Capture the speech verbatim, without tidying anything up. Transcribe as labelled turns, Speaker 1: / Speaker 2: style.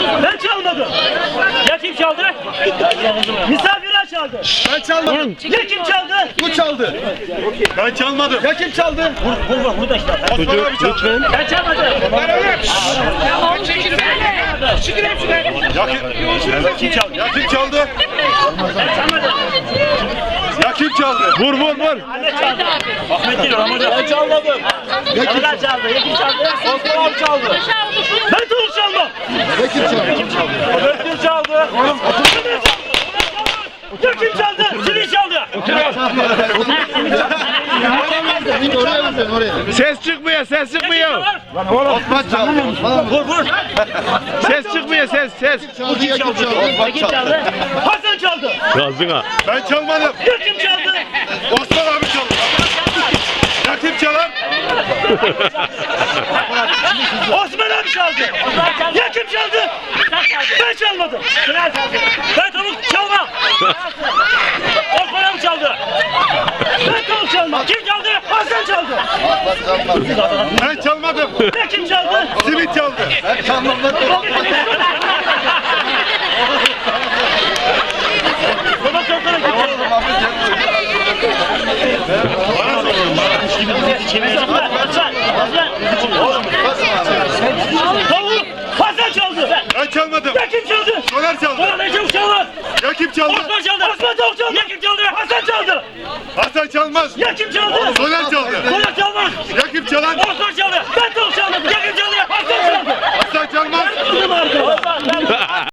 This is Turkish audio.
Speaker 1: Ben çalmadım. Ya kim çaldı? Misafirler çaldı.
Speaker 2: Ben çalmadım.
Speaker 1: Ya kim çaldı?
Speaker 2: Bu çaldı.
Speaker 3: Ben çalmadım.
Speaker 2: Ya kim çaldı?
Speaker 1: Vur vur burada işte.
Speaker 3: Osman abi çaldı.
Speaker 1: Ben çalmadım.
Speaker 3: Ya kim çaldı? Ya kim çaldı? Ya kim çaldı?
Speaker 2: Vur vur vur.
Speaker 1: Ahmet çaldı. Ahmet değil Ramazan. Ben çalmadım. Ramazan çaldı. Ya kim çaldı?
Speaker 2: Osman abi çaldı.
Speaker 1: Ben tavuk çalmam.
Speaker 2: Ya kim çaldı?
Speaker 1: Ben kim çaldı? Ya kim çaldı? Seni çaldı.
Speaker 2: Oraya mı sen oraya?
Speaker 4: Ses çıkmıyor, ses çıkmıyor.
Speaker 2: Osman çaldı.
Speaker 1: Vur vur.
Speaker 4: Ses çıkmıyor, ses, ses.
Speaker 2: Çaldı ya kim çaldı?
Speaker 1: Ya kim çaldı? Hasan çaldı.
Speaker 4: Gazına.
Speaker 3: Ben çalmadım.
Speaker 1: Ya kim çaldı?
Speaker 3: Osman abi çaldı. Ya kim çalar?
Speaker 1: Osman abi çaldı. Ya kim çaldı? Ben çalmadım. Ben tavuk çalmam. Osman abi çaldı. Ben tavuk çalmam. Kim çaldı? Hasan çaldı.
Speaker 3: Ben çalmadım.
Speaker 1: Ya kim çaldı?
Speaker 3: Simit çaldı.
Speaker 2: Ben çalmadım.
Speaker 1: Baba sorsana kim çaldı? Hasan. Hasan. Tavuk. Hasan çaldı.
Speaker 3: Ben çalmadım.
Speaker 1: Ya kim çaldı?
Speaker 3: Soner çaldı.
Speaker 1: Bana ne çabuk çalmaz.
Speaker 3: Ya kim çaldı?
Speaker 1: Osman çaldı. Osman tavuk çaldı. Ya kim çaldı? Hasan çaldı.
Speaker 3: Hasan çalmaz.
Speaker 1: Ya kim çaldı?
Speaker 3: Soner çaldı.
Speaker 1: Soner çalmaz.
Speaker 3: Ya kim çalar?
Speaker 1: Osman çaldı. Ben tavuk çaldım. Ya kim çaldı? Hasan çaldı.
Speaker 3: Hasan çalmaz.
Speaker 1: Kızım arkadaş.